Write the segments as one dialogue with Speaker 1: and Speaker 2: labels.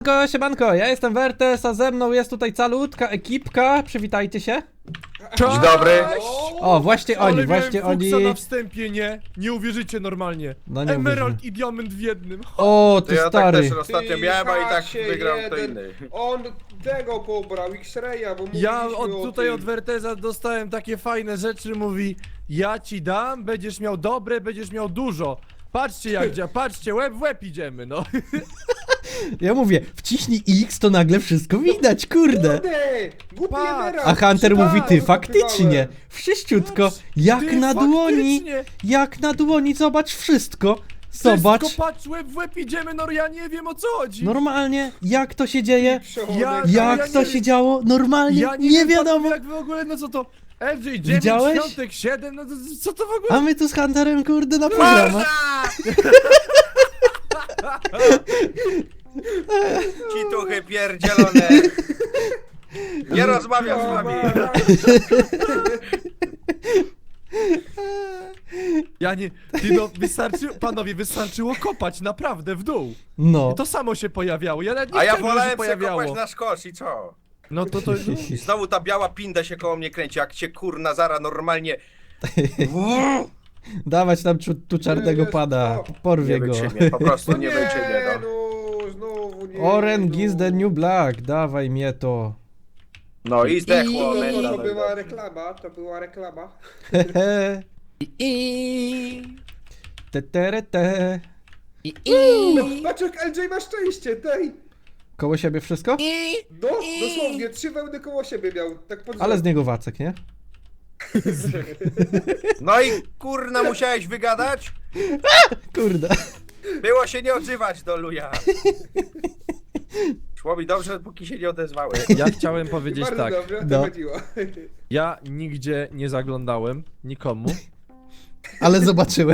Speaker 1: Siemanko, ja jestem Wertes, a ze mną jest tutaj calutka ekipka, przywitajcie się.
Speaker 2: Dzień dobry.
Speaker 1: O, właśnie oni,
Speaker 3: Ale
Speaker 1: właśnie
Speaker 3: miałem
Speaker 1: oni.
Speaker 3: fuksa na wstępie, nie? Nie uwierzycie normalnie.
Speaker 1: No nie
Speaker 3: Emerald
Speaker 1: uwierzymy.
Speaker 3: i diament w jednym.
Speaker 1: O,
Speaker 2: To
Speaker 1: ty
Speaker 2: ja tak
Speaker 1: stary.
Speaker 2: też ostatnio miałem, a i tak
Speaker 4: Hasie
Speaker 2: wygrał kto
Speaker 4: jeden.
Speaker 2: inny.
Speaker 4: On tego pobrał, X-Raya, bo
Speaker 3: Ja
Speaker 4: mówiliśmy o
Speaker 3: tutaj
Speaker 4: tym.
Speaker 3: od Werteza dostałem takie fajne rzeczy, mówi: ja ci dam, będziesz miał dobre, będziesz miał dużo. Patrzcie jak działa, patrzcie, łeb w łeb idziemy, no.
Speaker 1: Ja mówię, wciśnij X, to nagle wszystko widać, kurde.
Speaker 4: Kurde! Głupi
Speaker 3: Patrz.
Speaker 4: Emerald!
Speaker 1: A Hunter
Speaker 3: Tak,
Speaker 1: mówi, ty,
Speaker 4: to
Speaker 1: faktycznie,
Speaker 4: kupowałem.
Speaker 1: wszyściutko, jak
Speaker 3: Ty,
Speaker 1: na dłoni,
Speaker 3: faktycznie.
Speaker 1: jak na dłoni, zobacz wszystko. Zobacz,
Speaker 3: Wszystko, patrz, łeb w łeb idziemy, no ja nie wiem o co chodzi.
Speaker 1: normalnie, jak to się dzieje,
Speaker 4: Przechonek.
Speaker 1: jak to się działo, normalnie,
Speaker 3: Ja
Speaker 1: nie
Speaker 3: wiem,
Speaker 1: wiadomo.
Speaker 3: jak w ogóle, no co to? LJ 9,
Speaker 1: Widziałeś?
Speaker 3: Świątek 7, no to, co to w ogóle?
Speaker 1: A my tu z Hunterem, kurde, na programach.
Speaker 2: Cituchy pierdzielone. Nie rozmawiam z wami.
Speaker 3: Ja nie, ty no, panowie, wystarczyło kopać naprawdę w dół.
Speaker 1: No,
Speaker 3: I to samo się pojawiało, ja nawet nie
Speaker 2: A ja
Speaker 3: chciałem, żeby się
Speaker 2: wolałem sobie
Speaker 3: pojawiało.
Speaker 2: kopać na szkosz i co?
Speaker 3: No to
Speaker 2: I znowu ta biała pinda się koło mnie kręci, jak cię kurna zara normalnie.
Speaker 1: dawać tam tu czarnego
Speaker 4: Jest,
Speaker 1: pada,
Speaker 4: o.
Speaker 1: porwie
Speaker 2: Nie
Speaker 1: go.
Speaker 2: wytrzymie, po prostu nie
Speaker 4: Nie,
Speaker 2: wytrzymie, no.
Speaker 4: no, znowu nie.
Speaker 1: Orange is
Speaker 4: no.
Speaker 1: the new black, dawaj mnie to.
Speaker 2: No i zdechło.
Speaker 4: To
Speaker 2: menda, no i
Speaker 4: była
Speaker 2: dobrze.
Speaker 4: reklama, to była reklama.
Speaker 1: Hehe. Te, tere, te.
Speaker 4: No, patrz jak LJ ma szczęście, tej!
Speaker 1: Koło siebie wszystko?
Speaker 4: No, dosłownie, 3 wełny koło siebie miał, tak pod
Speaker 1: Ale z niego Wacek, nie?
Speaker 2: No i kurna musiałeś wygadać?
Speaker 1: Kurde.
Speaker 2: Było się nie odzywać do luja. Szło mi dobrze, póki się nie odezwałeś.
Speaker 3: ja chciałem powiedzieć
Speaker 4: Bardzo
Speaker 3: tak,
Speaker 4: dobrze,
Speaker 1: No.
Speaker 4: to chodziło.
Speaker 3: ja nigdzie nie zaglądałem, nikomu.
Speaker 1: Ale zobaczyłeś.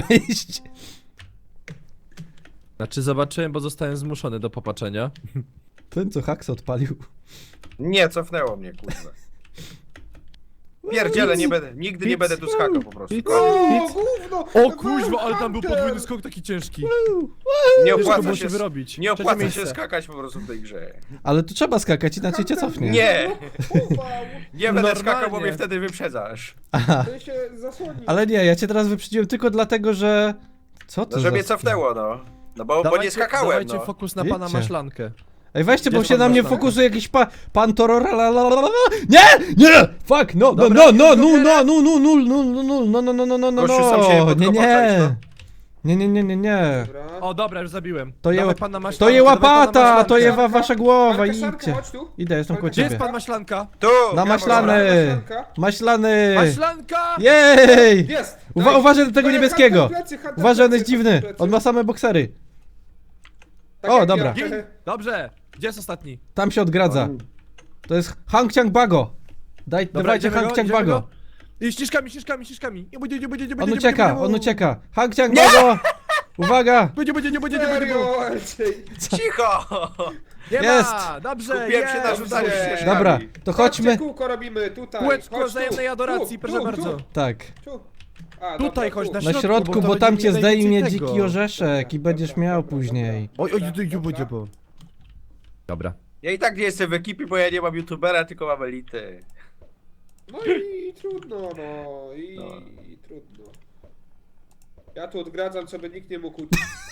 Speaker 3: Znaczy zobaczyłem, bo zostałem zmuszony do popatrzenia.
Speaker 1: Ten co haks odpalił.
Speaker 2: Nie, cofnęło mnie, kurwa. Pierdziele, nie będę, nigdy nie będę tu skakał po prostu.
Speaker 4: O, gówno!
Speaker 3: O kuźwa, ale tam był podwójny skok taki ciężki.
Speaker 2: Nie
Speaker 3: Ciężko
Speaker 2: opłaca
Speaker 3: było
Speaker 2: się,
Speaker 3: się wyrobić.
Speaker 2: nie
Speaker 3: Trzecie
Speaker 2: opłaca
Speaker 3: miejsce.
Speaker 2: się skakać po prostu w tej grze.
Speaker 1: Ale tu trzeba skakać, inaczej cię cofnie.
Speaker 2: Nie,
Speaker 4: Uwał,
Speaker 2: nie będę
Speaker 3: Normalnie.
Speaker 2: skakał, bo mnie wtedy wyprzedzasz.
Speaker 1: Aha.
Speaker 4: to się zasłoni.
Speaker 1: Ale nie, ja cię teraz wyprzedziłem tylko dlatego, że... Co to
Speaker 2: No,
Speaker 1: za...
Speaker 2: że mnie cofnęło, no. No bo nie skakałem,
Speaker 3: Dawajcie
Speaker 2: no.
Speaker 3: fokus na pana
Speaker 1: Wiecie.
Speaker 3: maślankę.
Speaker 1: Ej, weźcie, bo
Speaker 3: Gdzie
Speaker 1: się
Speaker 3: pan
Speaker 1: na mnie
Speaker 3: maślanka?
Speaker 1: fokusuje jakiś pan Torora. Nie! Nie! Fuck, no,
Speaker 3: Dobra,
Speaker 1: no, no,
Speaker 3: już
Speaker 1: no,
Speaker 3: go
Speaker 1: no, no, no, no, no, no, no, no, no, no, no, no,
Speaker 2: Gościu, sam się
Speaker 1: nie,
Speaker 2: podkopać, no.
Speaker 1: nie.
Speaker 4: Dobra.
Speaker 3: O dobra, już zabiłem.
Speaker 1: To je,
Speaker 3: Dawaj pana maślankę,
Speaker 1: to je
Speaker 3: dawaj pana
Speaker 1: łapata,
Speaker 3: maślankę.
Speaker 1: to je wasza głowa,
Speaker 4: Marka,
Speaker 1: idźcie.
Speaker 4: chodź tu.
Speaker 1: Idę, jestem koło
Speaker 3: Gdzie jest
Speaker 1: ciebie.
Speaker 3: pan maślanka?
Speaker 2: Tu!
Speaker 1: Na
Speaker 2: ja
Speaker 1: maślany!
Speaker 4: Maślanka.
Speaker 1: Maślany!
Speaker 3: Maślanka!
Speaker 1: Jej!
Speaker 4: Jest!
Speaker 1: Uważaj do tego
Speaker 4: Daj,
Speaker 1: niebieskiego!
Speaker 4: Hunter plecy, Hunter
Speaker 1: Uważaj, on
Speaker 4: plecy,
Speaker 1: jest dziwny,
Speaker 4: Hunter plecy.
Speaker 1: on ma same boksery.
Speaker 4: Tak
Speaker 1: O,
Speaker 4: jak
Speaker 1: dobra.
Speaker 4: ja.
Speaker 3: Gin! Dobrze, gdzie jest ostatni?
Speaker 1: Tam się odgradza. To jest Hang Chang Bago. Dawajcie
Speaker 3: idziemy
Speaker 1: Hang
Speaker 3: go,
Speaker 1: Chang
Speaker 3: idziemy
Speaker 1: Bago.
Speaker 3: go. I ścieżkami.
Speaker 1: On ucieka. Hang Chang Bago! Uwaga!
Speaker 3: Będzie.
Speaker 4: Serio, LJ.
Speaker 2: Cicho!
Speaker 3: Nie
Speaker 1: Jest.
Speaker 3: ma, dobrze,
Speaker 2: Skupiłem się na
Speaker 3: jest.
Speaker 2: rzucaniu
Speaker 4: Dobrze.
Speaker 2: ścieżkami.
Speaker 1: Dobra, to chodźmy.
Speaker 4: Chodźcie, kółko robimy tutaj.
Speaker 3: Kółeczko
Speaker 4: Chodź tu.
Speaker 3: wzajemnej adoracji, proszę bardzo.
Speaker 1: Tak.
Speaker 4: Tu. A,
Speaker 3: Tutaj
Speaker 4: dobra,
Speaker 3: chodź
Speaker 4: tu.
Speaker 3: na
Speaker 1: Na
Speaker 3: środku,
Speaker 1: środku,
Speaker 3: bo to
Speaker 1: bo tam
Speaker 3: będzie
Speaker 1: cię
Speaker 3: najwięcej
Speaker 1: zdejmie
Speaker 3: tego.
Speaker 1: dziki orzeszek i
Speaker 4: Dobra,
Speaker 1: będziesz
Speaker 4: dobra,
Speaker 1: miał
Speaker 4: dobra,
Speaker 1: później.
Speaker 3: Oj,
Speaker 4: Dobra.
Speaker 3: bo. Dobra.
Speaker 2: Ja i tak nie jestem w ekipie, bo ja nie mam youtubera, tylko mam elity.
Speaker 4: No i trudno, no. I
Speaker 2: No.
Speaker 4: trudno. Ja tu odgradzam, co by nikt nie mógł.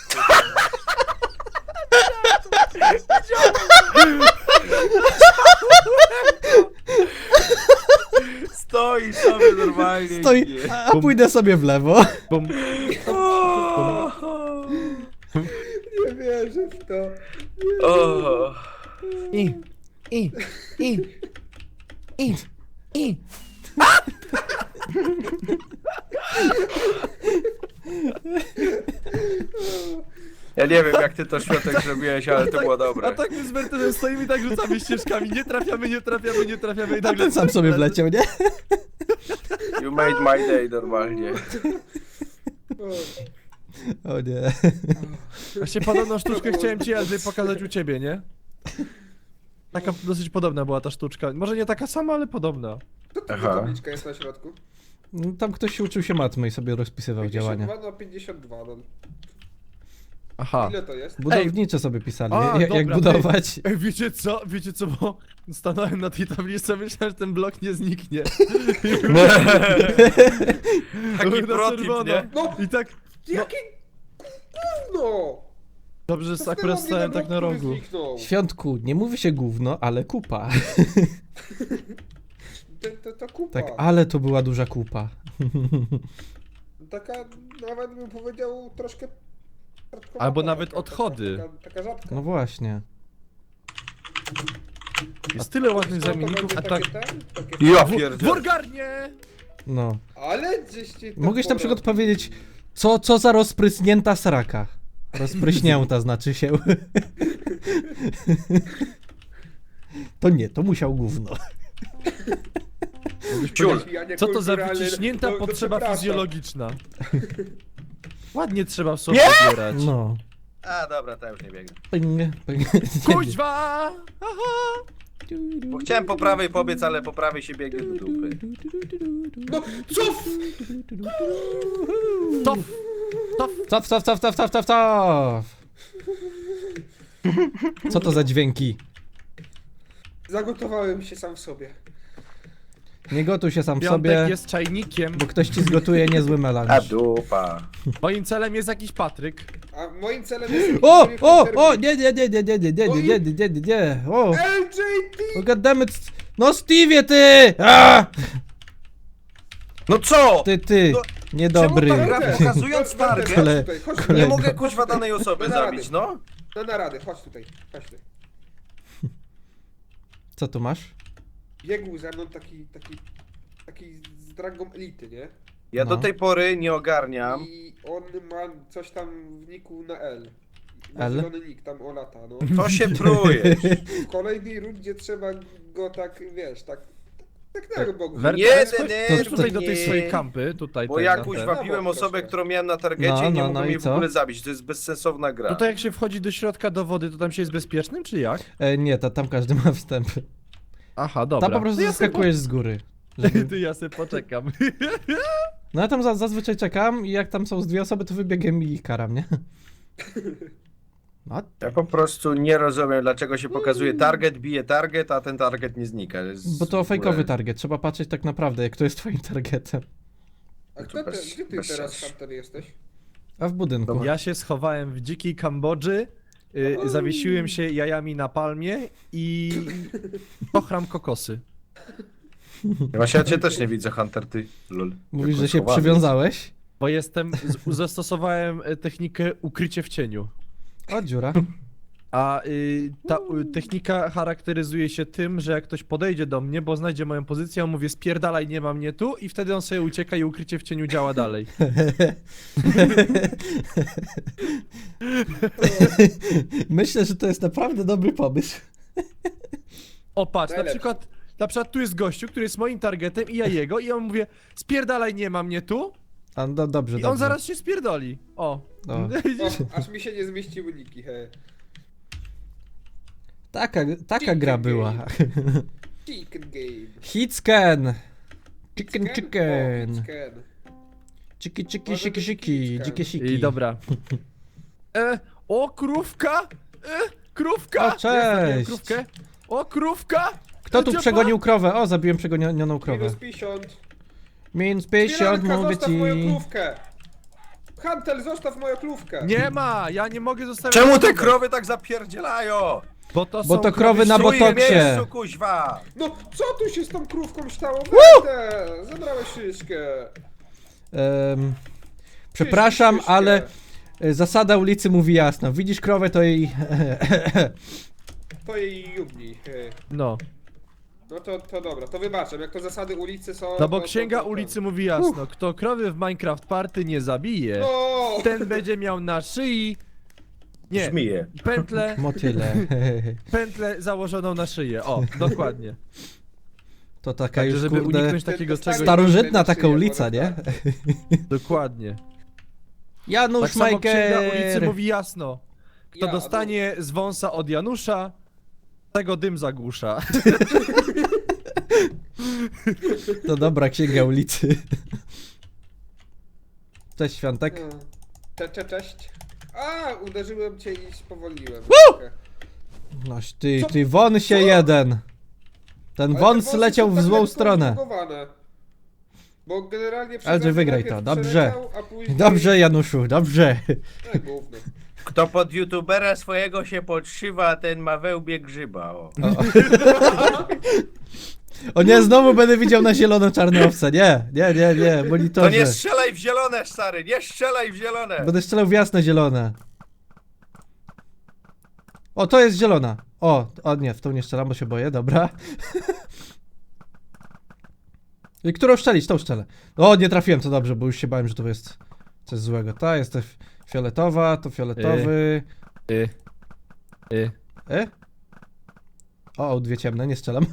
Speaker 2: Stoi sobie normalnie.
Speaker 1: Stoi, a pójdę sobie w lewo.
Speaker 3: Bum.
Speaker 4: Nie wierzę w to.
Speaker 2: O.
Speaker 3: I.
Speaker 2: Ja nie wiem jak ty to świątek zrobiłeś, ale to było
Speaker 3: A
Speaker 2: dobre.
Speaker 3: tak my z Bertelem stoimy i tak rzucamy ścieżkami. Nie trafiamy i
Speaker 1: A
Speaker 3: nagle...
Speaker 1: ten sam sobie wleciał, nie?
Speaker 2: You made my day normalnie.
Speaker 4: O,
Speaker 1: O nie.
Speaker 3: Właśnie podobną sztuczkę chciałem ci Andrzej pokazać u ciebie, nie? Taka dosyć podobna była ta sztuczka. Może nie taka sama, ale podobna.
Speaker 4: to tu
Speaker 2: Aha.
Speaker 4: tabliczka jest na środku.
Speaker 1: No, tam ktoś się uczył się matmy i sobie rozpisywał działania.
Speaker 4: 52 na 52, no.
Speaker 3: Aha.
Speaker 4: Ile to jest?
Speaker 1: Budownicze sobie pisali,
Speaker 3: A,
Speaker 1: jak
Speaker 3: dobra,
Speaker 1: budować.
Speaker 3: Ej, wiecie co, bo stanąłem na tej tablicy, myślałem, że ten blok nie zniknie.
Speaker 2: Taki
Speaker 3: Na
Speaker 2: protip,
Speaker 3: czerwono.
Speaker 2: nie?
Speaker 4: No,
Speaker 3: I tak,
Speaker 4: jakie gówno!
Speaker 3: dobrze, że akurat stałem tak na rogu.
Speaker 1: Świątku, nie mówi się gówno, ale kupa.
Speaker 4: To kupa.
Speaker 1: Tak, ale to była duża kupa.
Speaker 4: Taka, nawet bym powiedział, troszkę...
Speaker 3: Albo nawet odchody.
Speaker 4: Taka rzadka.
Speaker 1: No właśnie.
Speaker 3: Jest tyle ładnych
Speaker 4: To
Speaker 3: zamienników,
Speaker 4: będzie
Speaker 3: a tak...
Speaker 4: takie takie...
Speaker 2: Ja
Speaker 3: W
Speaker 2: pierdzielę.
Speaker 3: orgarnie!
Speaker 1: No.
Speaker 4: Ale gdzieście...
Speaker 1: Mogłeś na przykład powiedzieć, co za rozprysnięta sraka. Rozpryśnięta znaczy się. To nie, to musiał gówno.
Speaker 2: Ciul.
Speaker 3: Co to za wyciśnięta potrzeba fizjologiczna? Ładnie trzeba w sobie zbierać.
Speaker 1: No.
Speaker 2: A dobra, to już nie biegnę.
Speaker 1: Ping.
Speaker 3: Kuźwa! Aha!
Speaker 2: Bo chciałem po prawej pobiec, ale po prawej się biegnie do dupy.
Speaker 4: No, cuf!
Speaker 3: Tof! Tof!
Speaker 1: Cof. Co to za dźwięki?
Speaker 4: Zagotowałem się sam w sobie.
Speaker 1: Nie gotuj się sam w
Speaker 3: Piątek
Speaker 1: sobie,
Speaker 3: jest czajnikiem.
Speaker 1: bo ktoś ci zgotuje niezły
Speaker 2: A
Speaker 1: melanż.
Speaker 2: dupa.
Speaker 3: Moim celem jest jakiś Patryk.
Speaker 4: A moim celem jest...
Speaker 1: O, nie, o,
Speaker 4: LJT!
Speaker 1: goddammit, no Stevie, ty! A!
Speaker 2: No co?
Speaker 1: Ty,
Speaker 2: No,
Speaker 1: niedobry.
Speaker 2: czemu tak gra? Pokazując
Speaker 4: Chodź
Speaker 2: target.
Speaker 4: tutaj, chodź tutaj.
Speaker 2: Nie
Speaker 1: kolego.
Speaker 2: mogę kuźwa danej osoby
Speaker 4: Bez rady.
Speaker 2: zabić, no?
Speaker 4: Na naradę, chodź tutaj, chodź tutaj.
Speaker 1: Co tu masz?
Speaker 4: Biegł ze mną taki z dragą elity, nie?
Speaker 2: Ja
Speaker 1: No.
Speaker 2: do tej pory nie ogarniam.
Speaker 4: I on ma coś tam w niku na L.
Speaker 1: L?
Speaker 4: Zielony nick, tam o lata, no.
Speaker 2: To się pruje.
Speaker 4: W kolejnej rundzie trzeba go tak, wiesz, tak na bogu.
Speaker 3: Wertes,
Speaker 2: Jeden,
Speaker 3: chodź tutaj do tej swojej kampy, tutaj.
Speaker 2: Bo
Speaker 3: ten,
Speaker 2: ja
Speaker 3: na
Speaker 2: kuźwa
Speaker 3: ten.
Speaker 2: biłem osobę,
Speaker 4: proszę.
Speaker 2: którą miałem na targecie
Speaker 1: No,
Speaker 2: i nie
Speaker 1: no,
Speaker 2: mogłem
Speaker 1: no i
Speaker 2: jej w
Speaker 1: co?
Speaker 2: ogóle zabić. To jest bezsensowna gra.
Speaker 3: No to jak się wchodzi do środka do wody, to tam się jest bezpiecznym, czy jak?
Speaker 1: Nie, tam każdy ma wstęp.
Speaker 3: Aha, dobra.
Speaker 1: Tam po prostu
Speaker 3: To ja se
Speaker 1: zaskakujesz z góry.
Speaker 3: Ty, ja sobie poczekam.
Speaker 1: No ja tam zazwyczaj czekam i jak tam są z dwie osoby, to wybiegiem i ich karam, nie? No,
Speaker 2: Ja po prostu nie rozumiem, dlaczego się pokazuje target, bije target, a ten target nie znika. Jest
Speaker 1: bo to
Speaker 2: w ogóle-
Speaker 1: fejkowy target, trzeba patrzeć tak naprawdę, jak to jest twoim targetem.
Speaker 4: A
Speaker 2: To bez-
Speaker 4: gdzie ty
Speaker 2: bez
Speaker 4: teraz,
Speaker 2: sensu.
Speaker 4: Hunter, jesteś?
Speaker 1: A w budynku.
Speaker 3: Ja się schowałem w dzikiej Kambodży, zawiesiłem się jajami na palmie i pochram kokosy.
Speaker 2: Właśnie ja cię też nie widzę, Hunter, ty. Lol.
Speaker 1: Mówisz,
Speaker 2: Tylko
Speaker 1: że się
Speaker 2: schowany.
Speaker 1: przywiązałeś?
Speaker 3: Bo zastosowałem technikę ukrycie w cieniu.
Speaker 1: O, dziura.
Speaker 3: A ta technika charakteryzuje się tym, że jak ktoś podejdzie do mnie, bo znajdzie moją pozycję, ja mówię spierdalaj, nie ma mnie tu i wtedy on sobie ucieka i ukrycie w cieniu działa dalej.
Speaker 1: Myślę, że to jest naprawdę dobry pomysł.
Speaker 3: O patrz, na
Speaker 4: Najlepszy.
Speaker 3: przykład tu jest gościu, który jest moim targetem i ja jego i ja mu mówię spierdalaj, nie ma mnie tu
Speaker 1: A, no, dobrze,
Speaker 3: i
Speaker 1: dobrze.
Speaker 3: on zaraz się spierdoli. O.
Speaker 1: O.
Speaker 4: O, aż mi się nie zmieściły niki, he.
Speaker 1: Taka gra była.
Speaker 4: Chicken game.
Speaker 1: Hitscan! Chicken.
Speaker 4: O, chicken.
Speaker 1: Chiki,
Speaker 4: Może być
Speaker 1: siki,
Speaker 4: hitscan.
Speaker 1: dzikie siki.
Speaker 3: I dobra. O, krówka! Krówka!
Speaker 1: O, cześć.
Speaker 3: Ja krówkę. O, krówka!
Speaker 1: Kto tu
Speaker 3: Ciepła.
Speaker 1: przegonił krowę? O, zabiłem przegonioną krowę.
Speaker 4: Minus 50.
Speaker 1: Minus 50,
Speaker 4: Piranka,
Speaker 1: mówię
Speaker 4: zostaw moją
Speaker 1: ci.
Speaker 4: krówkę. Hunter, zostaw moją krówkę.
Speaker 3: Nie ma! Ja nie mogę zostawić.
Speaker 2: Czemu te
Speaker 3: krówek,
Speaker 2: krowy tak zapierdzielają?
Speaker 3: Bo to,
Speaker 1: Bo
Speaker 3: są
Speaker 1: to krowy na
Speaker 2: Stój w
Speaker 1: botoksie.
Speaker 2: miejscu, kuźwa!
Speaker 4: No, co tu się z tą krówką stało? Warte! Zabrałeś szyszkę.
Speaker 1: Przepraszam,
Speaker 4: Szyszkę.
Speaker 1: ale zasada ulicy mówi jasno. Widzisz krowę, to jej...
Speaker 4: To jej jubni.
Speaker 3: No.
Speaker 4: No to dobra, to wybaczam. Jak to zasady ulicy są...
Speaker 3: No bo
Speaker 4: to-
Speaker 3: księga
Speaker 4: to-
Speaker 3: ulicy mówi jasno, kto krowy w Minecraft Party nie zabije,
Speaker 4: O!
Speaker 3: ten będzie miał na szyi... Nie,
Speaker 2: Żmije.
Speaker 3: pętlę założoną na szyję, o, dokładnie.
Speaker 1: To taka
Speaker 3: Także
Speaker 1: już,
Speaker 3: żeby
Speaker 1: kurde,
Speaker 3: uniknąć takiego
Speaker 4: Stary-
Speaker 3: czegoś,
Speaker 1: starożytna
Speaker 4: Stary-
Speaker 1: taka ulica, nie?
Speaker 3: dokładnie.
Speaker 1: Janusz
Speaker 3: Tak samo księga
Speaker 1: Majker!
Speaker 3: ulicy mówi jasno, kto
Speaker 4: Ja,
Speaker 3: dostanie z wąsa od Janusza, tego dym zagłusza.
Speaker 1: To dobra księga ulicy. Cześć, Świątek.
Speaker 4: Cześć. Uderzyłem cię i spowolniłem. trochę.
Speaker 1: Noś,
Speaker 4: Co?
Speaker 1: ty won się
Speaker 4: Co?
Speaker 1: jeden. Ten
Speaker 4: Ale
Speaker 1: wąs
Speaker 4: te wąsy
Speaker 1: leciał
Speaker 4: są
Speaker 1: w
Speaker 4: tak
Speaker 1: złą
Speaker 4: lekko
Speaker 1: stronę.
Speaker 4: zbugowane. Bo generalnie
Speaker 1: Ale
Speaker 4: przez
Speaker 1: wygraj
Speaker 4: najpierw
Speaker 1: to, dobrze.
Speaker 4: przeleciał, a później...
Speaker 1: Dobrze, Januszu, dobrze.
Speaker 4: Gówno.
Speaker 2: Kto pod youtubera swojego się podszywa, ten ma wełbie grzyba, o.
Speaker 1: O nie, znowu będę widział na zielono-czarne owce. Nie,
Speaker 2: To
Speaker 1: monitorze.
Speaker 2: nie strzelaj w zielone, stary, nie strzelaj w zielone!
Speaker 1: Będę strzelał w jasne zielone. O, to jest zielona. O nie, w tą nie strzelam, bo się boję, dobra. I którą szczelić? Tą szczelę. O, nie trafiłem, to dobrze, bo już się bałem, że to jest coś złego. Ta jest fioletowa, to fioletowy. O, dwie ciemne, nie strzelam.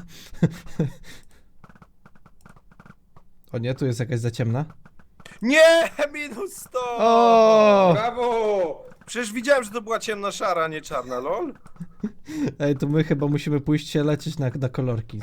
Speaker 1: O nie, tu jest jakaś za ciemna.
Speaker 2: Nie! Minus 100!
Speaker 1: O!
Speaker 4: Brawo!
Speaker 2: Przecież widziałem, że to była ciemna szara, a nie czarna, lol.
Speaker 1: Ej, to my chyba musimy pójść się leczyć na kolorki.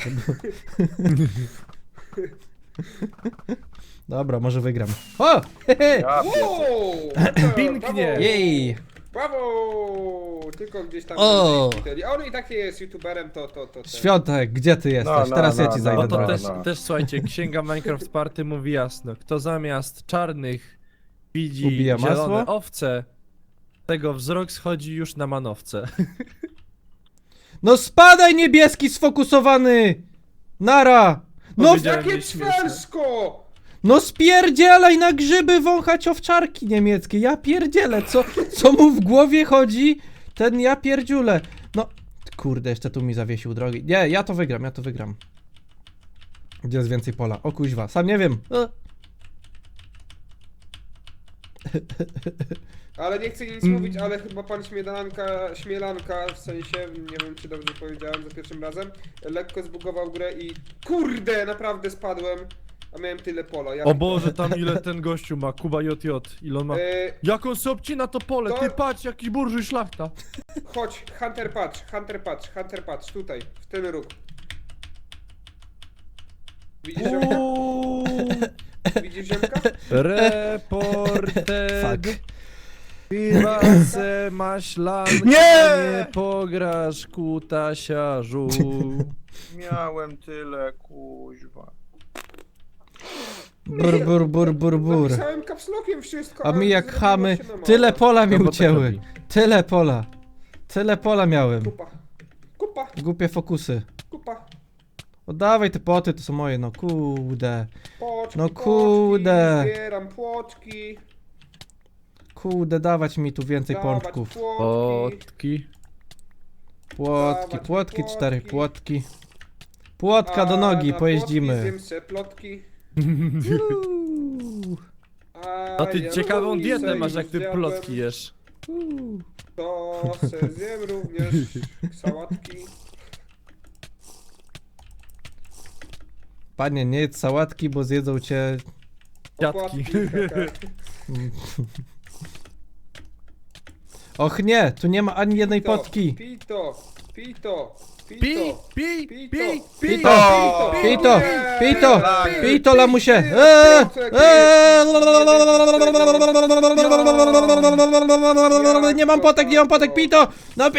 Speaker 1: Dobra, może wygram. O! Hehe!
Speaker 2: Ja pierdolę.
Speaker 4: Wow!
Speaker 3: Pięknie.
Speaker 4: Brawo!
Speaker 1: Jej!
Speaker 4: Brawo! Tylko gdzieś tam...
Speaker 1: O!
Speaker 4: A on i tak nie jest youtuberem, to...
Speaker 1: Świątek, gdzie ty jesteś?
Speaker 2: No,
Speaker 1: Teraz ja
Speaker 2: no,
Speaker 1: ci
Speaker 2: no,
Speaker 1: zajdę
Speaker 3: No to
Speaker 1: drogę.
Speaker 3: też słuchajcie, księga Minecraft Party mówi jasno. Kto zamiast czarnych widzi
Speaker 1: Ubija
Speaker 3: zielone
Speaker 1: masło?
Speaker 3: owce, tego wzrok schodzi już na manowce.
Speaker 1: No spadaj, niebieski sfokusowany! Nara! No,
Speaker 3: Powiedziałem,
Speaker 4: Jakie
Speaker 3: nieśmieszne.
Speaker 4: cwelsko!
Speaker 1: no spierdzielaj na grzyby wąchać owczarki niemieckie. Ja pierdzielę, co mu w głowie chodzi? Ten ja pierdziule. No, kurde, jeszcze tu mi zawiesił drogi. Nie, ja to wygram. Gdzie jest więcej pola? O kuźwa, sam nie wiem.
Speaker 4: Ale nie chcę nic mówić, ale chyba pan Śmielanka, w sensie, nie wiem czy dobrze powiedziałem za pierwszym razem, lekko zbugował grę i kurde, naprawdę spadłem, a miałem tyle pola. Ja
Speaker 3: O Boże, tam ile ten gościu ma, Kuba JJ, ile on ma... Jak on sobie obcina to pole,
Speaker 4: To-
Speaker 3: ty patrz, jaki burżuj szlachta.
Speaker 4: Chodź, Hunter patrz, tutaj, w ten róg. Widzisz ziomka? Widzisz ziomka?
Speaker 3: Reported.
Speaker 1: Fuck.
Speaker 3: Piwa se maślanka,
Speaker 2: Nie!
Speaker 3: nie pograsz kutasiarzu.
Speaker 2: Miałem tyle, kuźwa.
Speaker 1: Bur.
Speaker 4: Napisałem kapslokiem wszystko,
Speaker 1: A
Speaker 4: ale
Speaker 1: mi jak
Speaker 4: zrobiło
Speaker 1: chamy,
Speaker 4: się na mało.
Speaker 1: tyle pola mi
Speaker 3: No bo tak
Speaker 1: ucięły.
Speaker 3: robi.
Speaker 1: Tyle pola miałem.
Speaker 4: Kupa,
Speaker 1: Głupie fokusy.
Speaker 4: kupa.
Speaker 1: Oddawaj te poty, to są moje, no kurde.
Speaker 4: Płoczki,
Speaker 1: No kurde.
Speaker 4: Płoczki, zbieram płoczki.
Speaker 1: Kurde, dawać mi tu więcej
Speaker 4: dawać
Speaker 1: pączków.
Speaker 4: płotki.
Speaker 3: Potki.
Speaker 1: Płotki,
Speaker 4: dawać
Speaker 1: 4
Speaker 4: płotki.
Speaker 1: płotki. Płotka do nogi,
Speaker 4: na
Speaker 1: pojeździmy.
Speaker 4: Płotki zjem se plotki.
Speaker 3: No ty
Speaker 4: ja
Speaker 3: ciekawą
Speaker 4: lubię
Speaker 3: dietę
Speaker 4: se
Speaker 3: masz,
Speaker 4: już
Speaker 3: jak ty
Speaker 4: zjadłem.
Speaker 3: plotki jesz.
Speaker 4: To se zjem również sałatki.
Speaker 1: Panie, nie jedz sałatki, bo zjedzą cię.
Speaker 3: Dziadki.
Speaker 4: Opłatki, tak.
Speaker 1: Och nie, tu nie ma ani jednej potki.
Speaker 4: Pito.
Speaker 3: Pi,
Speaker 1: Pito, pito,
Speaker 2: Tak.
Speaker 1: pito, lamusie. Nie mam potek, pito. No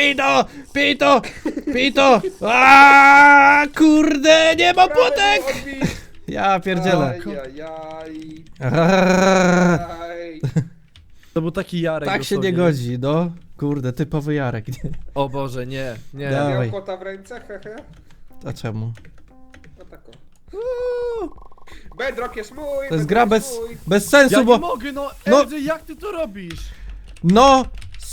Speaker 1: pito. Aaaa, kurde, nie mam potek. Ja pierdzielę.
Speaker 4: Ajajaj.
Speaker 1: Arrrr.
Speaker 4: Aj.
Speaker 3: To był taki Jarek
Speaker 1: Tak się nie
Speaker 3: dosłownie.
Speaker 1: godzi, no. Kurde, typowy Jarek, nie?
Speaker 3: O Boże, nie.
Speaker 1: Da.
Speaker 4: Miał
Speaker 1: Dawaj.
Speaker 4: kota w ręce, hehe.
Speaker 1: A czemu?
Speaker 4: No tak o. Bedrock jest mój.
Speaker 1: To jest
Speaker 4: Bedrock
Speaker 1: gra
Speaker 4: mój.
Speaker 1: bez sensu,
Speaker 3: Ja nie
Speaker 1: bo...
Speaker 3: mogę, no
Speaker 1: No.
Speaker 3: LJ, jak ty to robisz?
Speaker 1: No,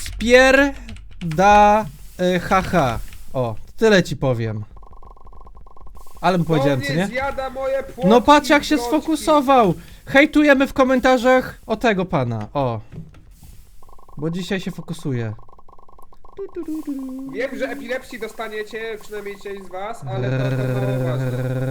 Speaker 1: haha. O, tyle ci powiem. Ale mu powiedziałem, co nie?
Speaker 4: Zjada moje płotki,
Speaker 1: No patrz jak się
Speaker 4: ploczki.
Speaker 1: sfokusował! Hejtujemy w komentarzach o tego pana, o. Bo dzisiaj się fokusuje.
Speaker 4: Wiem, że epilepsji dostaniecie, przynajmniej część z was, ale to mało ważne.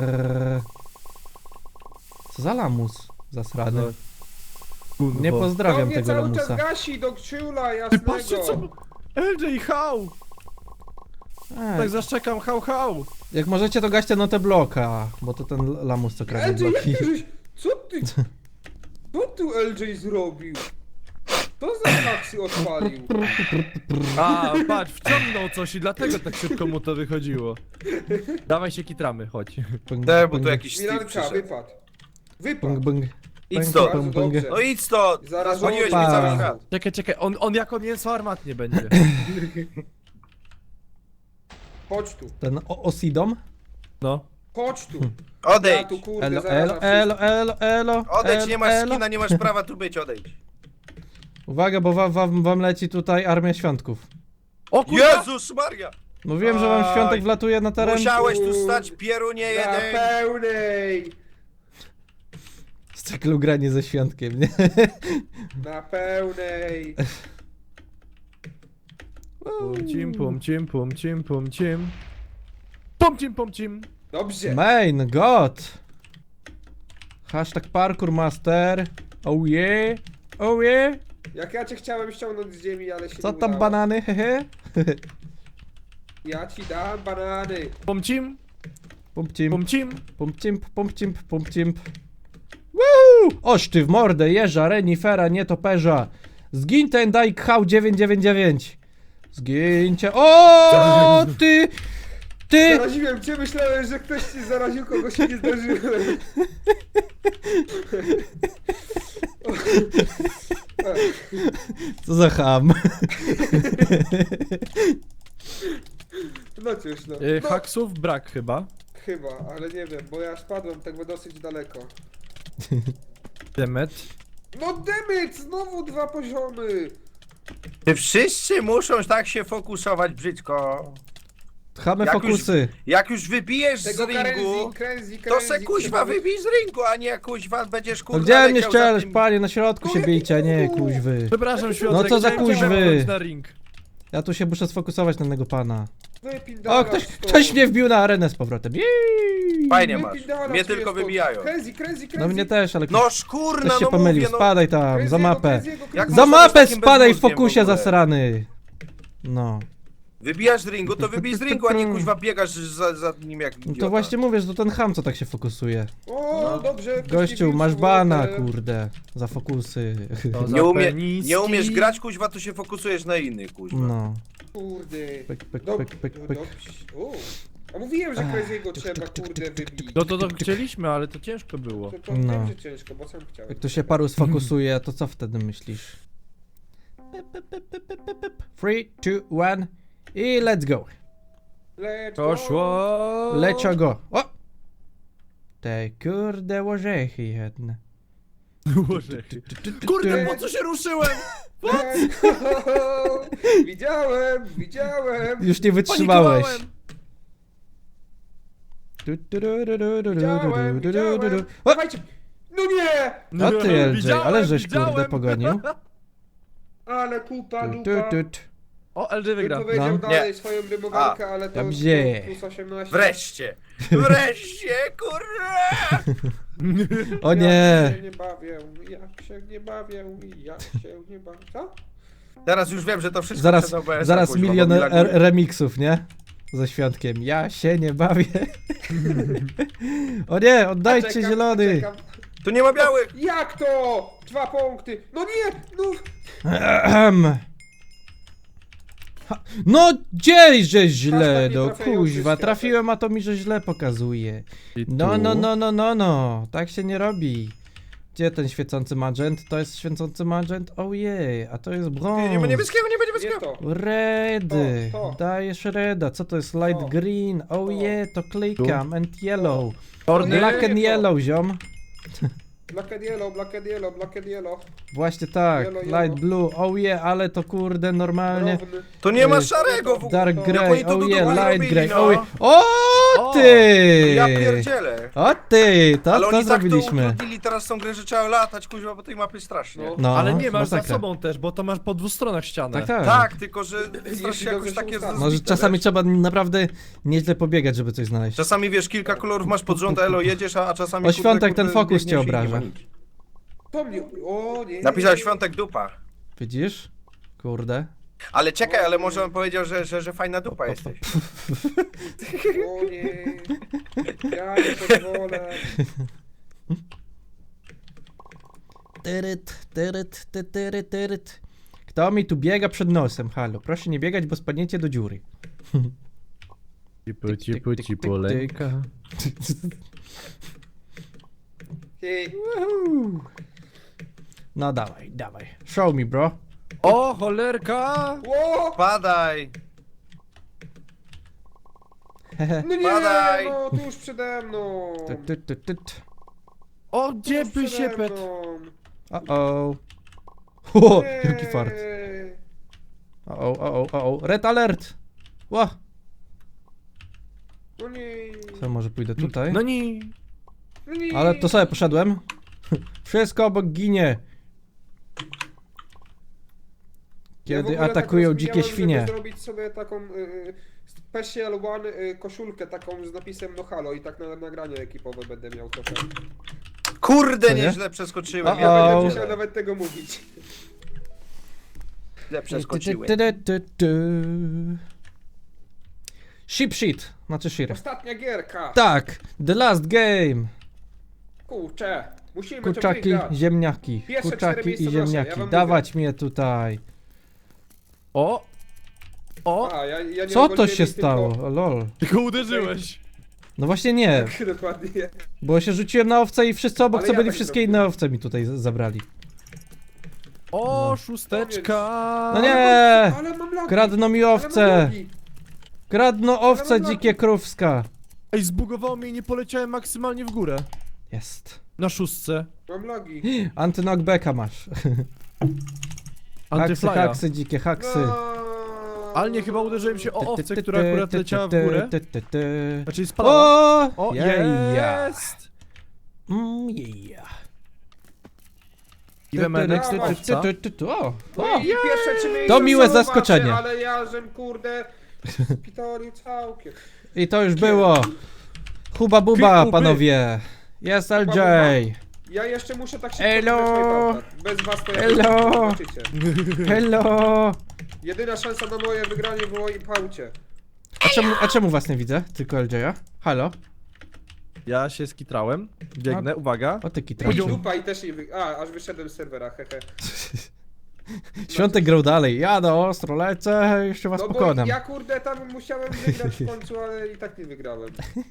Speaker 1: Co za lamus zasrany.
Speaker 3: Kurwa.
Speaker 1: Nie
Speaker 4: To
Speaker 1: pozdrawiam
Speaker 4: mnie
Speaker 1: tego
Speaker 4: cały czas
Speaker 1: lamusa.
Speaker 4: gasi do krzula
Speaker 3: Ty
Speaker 4: jasnego.
Speaker 3: patrzcie co... LJ, hał! Tak
Speaker 1: Ej,
Speaker 3: zaszczekam, hał!
Speaker 1: jak możecie to gaście notę bloka, bo to ten lamus co kradnie
Speaker 4: LJ, jak
Speaker 1: bloki.
Speaker 4: ty żeś... Co ty tu LJ zrobił? To za haksy odpalił.
Speaker 3: A, patrz, wciągnął coś i dlatego tak szybko mu to wychodziło. Dawaj się kitramy, chodź.
Speaker 1: Bang,
Speaker 2: Te, bo
Speaker 1: bang,
Speaker 2: tu jakiś Steve
Speaker 4: Milanka,
Speaker 2: przyszedł.
Speaker 4: wypadł. Wypadł.
Speaker 1: bang, bang.
Speaker 2: Idź
Speaker 1: Bang,
Speaker 2: stąd.
Speaker 1: bang, bang.
Speaker 4: Dobrze.
Speaker 2: No idź stąd!
Speaker 4: Zaraz
Speaker 2: Dzwoniłeś mi
Speaker 1: opa.
Speaker 2: cały świat.
Speaker 3: Czekaj, on jako mięso armatnie będzie.
Speaker 4: Chodź tu.
Speaker 1: Ten Osidom?
Speaker 3: No.
Speaker 4: Chodź tu.
Speaker 2: Odejdź!
Speaker 4: Ja tu kurde
Speaker 1: Elo,
Speaker 4: zaraz
Speaker 1: elo.
Speaker 2: Odejdź, nie masz
Speaker 1: elo.
Speaker 2: skina, nie masz prawa tu być, odejdź.
Speaker 1: Uwaga, bo wam leci tutaj armia świątków.
Speaker 3: O kurwa!
Speaker 2: Jezus Maria!
Speaker 1: Mówiłem, że wam
Speaker 2: Aj.
Speaker 1: świątek wlatuje na teren.
Speaker 2: Musiałeś tu stać, pierunie
Speaker 4: Na
Speaker 2: jeden!
Speaker 4: pełnej.
Speaker 1: Z cyklu granie ze świątkiem, nie?
Speaker 4: Na pełnej.
Speaker 3: Pumcim, pumcim, pumcim, pumcim. Pumcim, pumcim.
Speaker 4: Dobrze.
Speaker 1: Main god. Hashtag parkour master. Oh yeah. Oh yeah.
Speaker 4: Jak ja cię chciałem ściągnąć z ziemi, ale się
Speaker 1: Co
Speaker 4: nie
Speaker 1: tam
Speaker 4: udało.
Speaker 1: banany, hehe?
Speaker 4: Ja ci dam banany.
Speaker 3: Pumcim,
Speaker 1: Pumpcim,
Speaker 3: pumcim.
Speaker 1: pumpcim. Woo! Oż ty w mordę, jeża, renifera, nietoperza. Zgiń ten daj kchał 999. Zgińcie. O ty! Ty!
Speaker 4: Zaraziłem cię, myślałem, że ktoś ci zaraził, kogo się nie zdarzyłem.
Speaker 1: Co za ham.
Speaker 4: No cóż, no. No,
Speaker 3: Haksów brak chyba.
Speaker 4: chyba, ale nie wiem, bo ja spadłem tak dosyć daleko.
Speaker 3: Demet.
Speaker 4: No demyt, znowu 2 poziomy.
Speaker 2: Ty wszyscy muszą tak się fokusować brzydko.
Speaker 1: Chamy
Speaker 2: Jak
Speaker 1: fokusy.
Speaker 2: Jak już wybijesz z
Speaker 4: Tego
Speaker 2: ringu,
Speaker 4: kręzi,
Speaker 2: to se kuźwa wybij z ringu, a nie kuźwa będziesz
Speaker 1: No
Speaker 2: kurwa
Speaker 1: gdzie mnie
Speaker 2: leciał za
Speaker 1: ścielesz,
Speaker 2: tym-
Speaker 1: panie, na środku się bijcie, a nie kuźwy.
Speaker 3: Przepraszam, Świątek.
Speaker 1: No co za
Speaker 3: chciałem cię
Speaker 1: kuźwy.
Speaker 3: wepchnąć na ring.
Speaker 1: Ja tu się muszę sfokusować na tego pana.
Speaker 4: Wypindala
Speaker 1: O, ktoś mnie wbił na arenę z powrotem. Jej!
Speaker 2: Fajnie masz. Mnie tylko wybijają.
Speaker 4: Kręzi.
Speaker 1: No mnie też, ale
Speaker 2: No szkurna,
Speaker 1: ktoś się
Speaker 2: no
Speaker 1: pomylił,
Speaker 2: mówię, no.
Speaker 1: spadaj tam, za mapę.
Speaker 2: Jak
Speaker 1: Za
Speaker 2: można być
Speaker 1: mapę
Speaker 2: takim
Speaker 1: spadaj w
Speaker 2: bezmózgiem w
Speaker 1: fokusie
Speaker 2: ogóle?
Speaker 1: zasrany. No.
Speaker 2: Wybijasz z ringu, to wybij z ringu, a nie kuźwa biegasz za nim jak
Speaker 1: No
Speaker 2: idiota.
Speaker 1: to właśnie mówię, że to ten ham co tak się fokusuje.
Speaker 4: O, dobrze. ktoś
Speaker 1: Gościu,
Speaker 4: mi
Speaker 1: masz
Speaker 4: wbił
Speaker 1: bana,
Speaker 4: wodę.
Speaker 1: kurde. Za fokusy.
Speaker 3: To za peniski.
Speaker 2: Nie umiesz grać kuźwa, to się fokusujesz na innych kuźwa.
Speaker 1: No.
Speaker 4: Kurde.
Speaker 1: Pyk, pyk,
Speaker 4: Dob-
Speaker 1: pyk, pyk,
Speaker 4: no
Speaker 1: pyk.
Speaker 4: dobrze. O. A mówiłem, że Crazy'ego trzeba, kurde, wybić.
Speaker 3: No to chcieliśmy, ale to ciężko było.
Speaker 4: To
Speaker 1: No.
Speaker 4: wiem, że ciężko, bo sam chciałem.
Speaker 1: Jak to się paru sfokusuje, to co wtedy myślisz? 3, 2, 1 i let's go.
Speaker 4: Let's go.
Speaker 3: Poszło.
Speaker 1: Lecio go. O! Te kurde orzechy jedne.
Speaker 3: Orzechy. Kurde, po co się ruszyłem?
Speaker 4: Let's go. Widziałem.
Speaker 1: Już nie wytrzymałeś.
Speaker 3: Panikowałem.
Speaker 4: Widziałem.
Speaker 1: O!
Speaker 4: Dawajcie. No nie!
Speaker 1: No ty LJ,
Speaker 3: Widziałem,
Speaker 1: ale żeś
Speaker 3: widziałem.
Speaker 1: kurde pogonił.
Speaker 4: Ale kupa,
Speaker 1: Tu,
Speaker 4: dupa.
Speaker 1: tu, tu.
Speaker 3: O, LJ
Speaker 4: Bym
Speaker 3: wygra.
Speaker 4: powiedział
Speaker 1: No.
Speaker 4: dalej swoją rymowankę, ale to
Speaker 1: Dobrze.
Speaker 4: plus 18.
Speaker 2: Wreszcie! Wreszcie, kurwa!
Speaker 1: O
Speaker 4: Jak
Speaker 1: nie!
Speaker 4: się nie bawię, jak się nie bawię. Co?
Speaker 2: Teraz już wiem, że to wszystko
Speaker 1: Zaraz,
Speaker 2: przez OBS-a,
Speaker 1: zaraz
Speaker 2: kuźwa,
Speaker 1: milion
Speaker 2: bo mi laguje.
Speaker 1: remixów, nie? Ze świątkiem. Ja się nie bawię. O nie, oddajcie
Speaker 4: Czekam,
Speaker 1: zielony.
Speaker 4: czekam.
Speaker 2: Tu nie ma białych!
Speaker 4: Jak to? 2 punkty. No nie! No!
Speaker 1: Ahem. Ha, no gdzieś żeś źle,
Speaker 4: Hashtag
Speaker 1: no
Speaker 4: nietrafiający
Speaker 1: kuźwa,
Speaker 4: światek.
Speaker 1: trafiłem, a to mi że źle pokazuje.
Speaker 3: I
Speaker 1: No,
Speaker 3: tu.
Speaker 1: no, tak się nie robi. Gdzie ten świecący magent? To jest świecący magent? Ojej, a to jest brąz.
Speaker 2: Nie ma niebieskiego, nie ma
Speaker 4: Nie
Speaker 2: niebieskiego!
Speaker 4: to.
Speaker 1: Red,
Speaker 4: To.
Speaker 1: dajesz reda, co to jest light
Speaker 4: To.
Speaker 1: green? Oh
Speaker 4: To.
Speaker 1: yeah, to klikam, and yellow.
Speaker 3: Czarny.
Speaker 1: Black and
Speaker 4: Nie, to.
Speaker 1: yellow, ziom.
Speaker 4: Black and yellow.
Speaker 1: Właśnie tak,
Speaker 4: Yellow,
Speaker 1: light
Speaker 4: yellow.
Speaker 1: blue, oh yeah, ale to kurde normalnie.
Speaker 4: Równy.
Speaker 2: Tu nie ma
Speaker 1: Y,
Speaker 2: szarego w ogóle!
Speaker 1: Dark
Speaker 4: to-
Speaker 2: Jak
Speaker 1: grey,
Speaker 2: oni to
Speaker 1: oh
Speaker 2: tu
Speaker 1: yeah,
Speaker 2: długo
Speaker 1: light
Speaker 2: zrobili,
Speaker 1: grey,
Speaker 2: no.
Speaker 1: oh yeah. O
Speaker 3: O!
Speaker 1: ty!
Speaker 2: Ja pierdzielę!
Speaker 1: O ty,
Speaker 2: Ale
Speaker 1: to
Speaker 2: oni tak to
Speaker 1: zrobiliśmy.
Speaker 2: utrudnili teraz tą grę, że trzeba latać kuźwa po tej mapy strasznie.
Speaker 4: No.
Speaker 1: No,
Speaker 3: Ale nie masz za
Speaker 1: masakra.
Speaker 3: sobą też, bo to masz po 2 stronach ścianę.
Speaker 1: Tak, tak.
Speaker 2: Tak, tylko że
Speaker 4: Jeśli
Speaker 2: strasznie jakoś
Speaker 4: dobrze się
Speaker 2: takie
Speaker 4: ustawi.
Speaker 1: Może
Speaker 2: zbite,
Speaker 1: czasami
Speaker 2: wiesz?
Speaker 1: trzeba naprawdę nieźle pobiegać, żeby coś znaleźć.
Speaker 2: Czasami wiesz, kilka kolorów masz pod rząd, elo jedziesz, a czasami
Speaker 1: O, Świątek, ten fokus
Speaker 2: biegniesz
Speaker 1: cię
Speaker 2: i nie ma
Speaker 1: obraża.
Speaker 2: nic.
Speaker 4: To mnie... O nie.
Speaker 2: Napisał Świątek dupa.
Speaker 1: Widzisz? Kurde.
Speaker 2: Ale czekaj, ale może on powiedział, że fajna dupa jesteś.
Speaker 4: O nie. Ja nie pozwolę.
Speaker 1: Tyryt, tyryt, ty, tyryt, tyryt. Kto mi tu biega przed nosem? Halo, proszę nie biegać, bo spadniecie do dziury.
Speaker 3: Cipu, cipu, cipu, lęka.
Speaker 4: Hej.
Speaker 1: Woohoo. No dawaj, dawaj. Show me, bro.
Speaker 3: O, cholerka!
Speaker 4: Ło!
Speaker 2: Padaj!
Speaker 4: No nie,
Speaker 2: Padaj.
Speaker 4: no tuż przede mną.
Speaker 3: O, gdzie
Speaker 4: Tuż
Speaker 3: by
Speaker 4: przede
Speaker 3: się pet?
Speaker 4: mną.
Speaker 1: O. O,
Speaker 4: Nie.
Speaker 1: jaki fart. O. Red alert. Ła.
Speaker 4: No nie.
Speaker 1: Co, może pójdę tutaj?
Speaker 3: No nie.
Speaker 4: No nie.
Speaker 1: Ale to sobie poszedłem. Wszystko obok ginie.
Speaker 4: Ja w
Speaker 1: Kiedy
Speaker 4: ogóle
Speaker 1: atakują
Speaker 4: tak
Speaker 1: dzikie
Speaker 4: rozkminiałem,
Speaker 1: świnie.
Speaker 4: żeby zrobić sobie taką Special One koszulkę taką z napisem no halo i tak na nagranie ekipowe będę miał trochę.
Speaker 2: Kurde,
Speaker 1: Co nie?
Speaker 2: nieźle przeskoczyłem.
Speaker 1: O,
Speaker 4: Ja
Speaker 1: o.
Speaker 4: będę musiał nawet tego mówić.
Speaker 2: Źle przeskoczyłem.
Speaker 1: Ship shit, znaczy shir.
Speaker 4: Ostatnia gierka.
Speaker 1: Tak, the last game.
Speaker 4: Kurczę, musimy to
Speaker 1: Kurczaki,
Speaker 4: wygrać.
Speaker 1: ziemniaki.
Speaker 4: Pierwsze 4
Speaker 1: Kurczaki
Speaker 4: miejsca
Speaker 1: i
Speaker 4: nasze, ja
Speaker 1: ziemniaki.
Speaker 4: wam
Speaker 1: Dawać mnie tutaj.
Speaker 3: O! O!
Speaker 4: A, ja nie
Speaker 1: Co to
Speaker 4: ogoliłem
Speaker 1: się
Speaker 4: ich tylko-
Speaker 1: stało? Lol.
Speaker 3: Tylko uderzyłeś.
Speaker 1: No właśnie nie,
Speaker 4: Tak, dokładnie.
Speaker 1: bo się rzuciłem na owce i wszyscy obok
Speaker 4: Ale
Speaker 1: co
Speaker 4: ja
Speaker 1: byli
Speaker 4: tak
Speaker 1: wszystkie
Speaker 4: zrobiłem.
Speaker 1: inne owce mi tutaj zabrali.
Speaker 3: O,
Speaker 1: No.
Speaker 3: szósteczka!
Speaker 1: No nie!
Speaker 4: Ale mam lagi.
Speaker 1: Kradną mi
Speaker 4: Ale mam
Speaker 1: owce!
Speaker 4: lagi.
Speaker 1: Kradną owce
Speaker 4: mam lagi.
Speaker 1: dzikie krówska.
Speaker 3: Ej, zbugowało mnie i nie poleciałem maksymalnie w górę.
Speaker 1: Jest.
Speaker 3: Na szóstce.
Speaker 4: Mam lagi.
Speaker 1: Anty-knockbacka masz. Haksy,
Speaker 3: Antyflya.
Speaker 1: haksy, dzikie haksy.
Speaker 4: No.
Speaker 3: Ale nie, chyba uderzyłem się o owcę, która akurat leciała w górę. Znaczy spadła.
Speaker 1: O!
Speaker 3: O,
Speaker 1: Jeja.
Speaker 3: jest!
Speaker 1: Yeah.
Speaker 3: Iwemenek
Speaker 4: ty, ty,
Speaker 3: owca.
Speaker 1: O!
Speaker 4: No
Speaker 1: O!
Speaker 4: i pierwsze 3 miejsca
Speaker 1: To miłe
Speaker 4: zobaczę,
Speaker 1: zaskoczenie.
Speaker 4: Ale ja żem kurde spitolił całkiem.
Speaker 1: I to już było. Huba buba,
Speaker 3: Huby.
Speaker 1: panowie. Jest LJ.
Speaker 4: Ja jeszcze muszę tak szybko
Speaker 1: Elo.
Speaker 4: wygrać Wipeouta. Bez was to ja
Speaker 1: Elo.
Speaker 4: zobaczycie.
Speaker 1: Hello.
Speaker 4: Jedyna szansa na moje wygranie było i paucie.
Speaker 1: A czemu was nie widzę? Tylko LJ'a? Halo?
Speaker 3: Ja się skitrałem. Biegnę, uwaga.
Speaker 1: O ty
Speaker 4: I
Speaker 1: kitraciu.
Speaker 4: dupa i też nie aż wyszedłem z serwera, hehe.
Speaker 1: Świątek grał dalej. Jadę ostro, lecę, jeszcze was
Speaker 4: No bo
Speaker 1: pokonam.
Speaker 4: ja kurde tam musiałem wygrać w końcu, ale i tak nie wygrałem.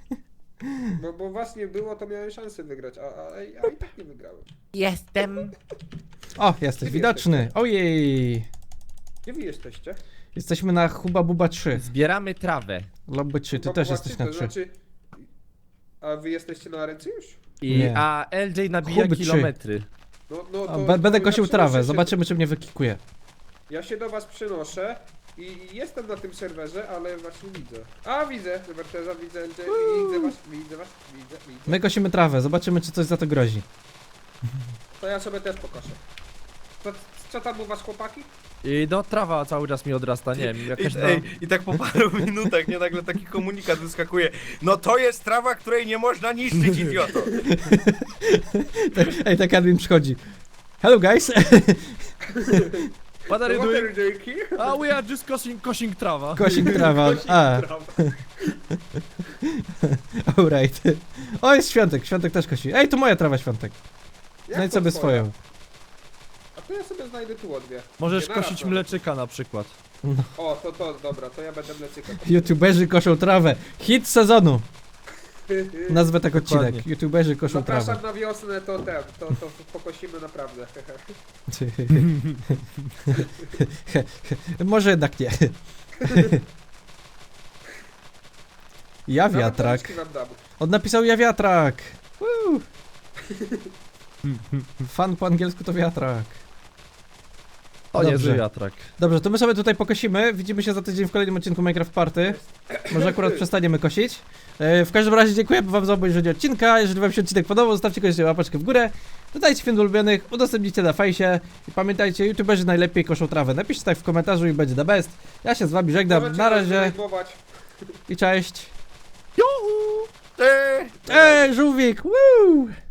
Speaker 4: Bo was nie było, to miałem szansę wygrać, a i tak nie wygrałem.
Speaker 5: Jestem.
Speaker 1: O, jesteś widoczny. Ojej.
Speaker 4: Gdzie wy jesteście?
Speaker 1: Jesteśmy na Huba Buba 3.
Speaker 5: Zbieramy trawę.
Speaker 1: Lobby 3, ty
Speaker 4: Bo
Speaker 1: też
Speaker 4: zobaczcie,
Speaker 1: jesteś na
Speaker 4: to
Speaker 1: 3.
Speaker 4: znaczy... A wy jesteście na ręce już?
Speaker 1: Nie.
Speaker 3: A LJ nabija
Speaker 1: Huby trzy.
Speaker 3: kilometry.
Speaker 4: No,
Speaker 1: Będę
Speaker 4: ja
Speaker 1: kosił
Speaker 4: przynoszę
Speaker 1: trawę,
Speaker 4: się-
Speaker 1: zobaczymy czy mnie wykikuje.
Speaker 4: Ja się do was przynoszę i jestem na tym serwerze, ale właśnie widzę. A widzę, Werteza, widzę, widzę was.
Speaker 1: My kosimy trawę, zobaczymy czy coś za to grozi.
Speaker 4: To ja sobie też pokażę. Co tam u was, chłopaki?
Speaker 3: I no, trawa cały czas mi odrasta, nie wiem, jakaś tam...
Speaker 2: I tak po paru minutach, nie, nagle taki komunikat wyskakuje. No to jest trawa, której nie można niszczyć, idioto.
Speaker 1: Ej, tak admin przychodzi. Hello guys.
Speaker 3: What are you doing?
Speaker 4: Dzięki.
Speaker 3: Ah, we are just cosing trawa.
Speaker 1: Kosik trawa. A, alright. O, jest Świątek, Świątek też kosi. Ej, to moja trawa Świątek. Znajdź sobie swoją.
Speaker 4: A to ja sobie znajdę tu o dwie.
Speaker 3: Możesz
Speaker 4: Nie
Speaker 3: kosić
Speaker 4: naraz, no.
Speaker 3: mleczyka na przykład.
Speaker 4: O, to dobra, to ja będę mlecyka.
Speaker 1: YouTuberzy koszą trawę. Hit sezonu. Nazwę tak odcinek.
Speaker 3: Dokładnie.
Speaker 1: YouTuberzy koszą trawę.
Speaker 4: Zapraszam na wiosnę, to pokosimy naprawdę.
Speaker 1: Może jednak nie. Ja wiatrak.
Speaker 4: Nawet wam dam.
Speaker 1: On napisał ja wiatrak. Woo. Fan po angielsku to wiatrak.
Speaker 3: O,
Speaker 1: Dobrze.
Speaker 3: niezły wiatrak.
Speaker 1: Dobrze, to my sobie tutaj pokosimy. Widzimy się za tydzień w kolejnym odcinku Minecraft Party. Może akurat przestaniemy kosić. W każdym razie dziękuję wam za obejrzenie odcinka. Jeżeli wam się odcinek podobał, zostawcie koniecznie łapeczkę w górę. Dodajcie film do ulubionych, udostępnijcie na fejsie. I pamiętajcie, youtuberzy najlepiej koszą trawę. Napiszcie tak w komentarzu i będzie the best. Ja się z wami żegnam.
Speaker 4: Możecie
Speaker 1: Na
Speaker 4: nas
Speaker 1: razie
Speaker 4: zdenerwować.
Speaker 1: i cześć.
Speaker 2: Eee!
Speaker 1: Ej, żółwik! Woo!